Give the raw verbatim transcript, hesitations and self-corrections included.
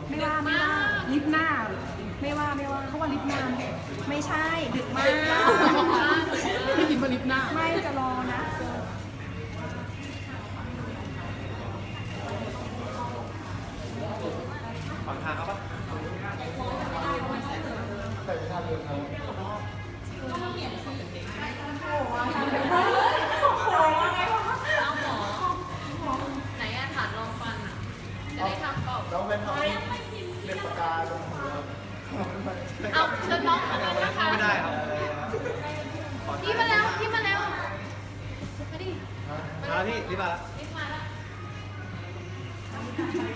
ไม่ว่าไม่ว่าลิฟต์หน้าไม่ว่าไม่ว่าเขาว่าลิฟต์หน้าไม่ใช่ดึกมากไม่กินมาลิฟต์หน้าไม่จะรอนะฝั่งทางครับปะใส่ไปทางเดินครับไหนอะถาดรองฟันอะจะได้ทำเปล่าน้องเป็นทำเล็บปากกาตรงหัวเอาเชิญน้องมานะคะไม่ได้ครับพี่มาแล้วพี่มาแล้วมาดิมาแล้วพี่รีบมาแล้วรีบมาแล้ว